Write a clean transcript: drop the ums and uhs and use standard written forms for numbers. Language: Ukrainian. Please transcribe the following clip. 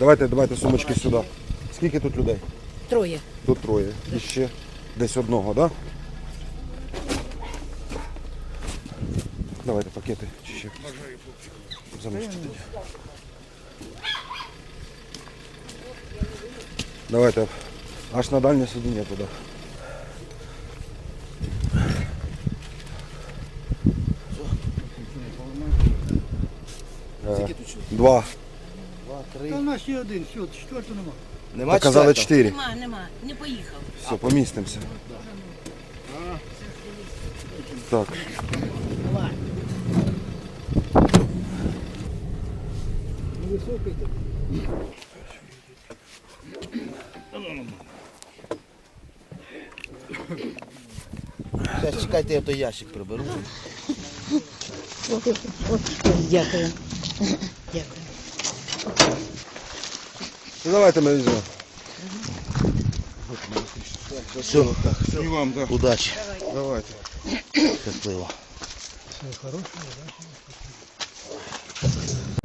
Давайте сумочки сюди. Скільки тут людей? Троє. Тут троє. І ще десь одного, так? Да? Давайте пакети. Чи ще? Замочте тоді. Давайте аж на дальнє сидіння туди. Два. Та у нас є один, все, четвертого нема. Нема Показали четвертого? 4. Нема, не поїхав. Все, помістимося. Так. Невисокий так. Зараз чекайте, я той ящик приберу. Дякую. Дякую. Ну давайте ми візьмемо. Все, І вам, так. удачі. Давайте. Щасливо. Все хороше, удачі.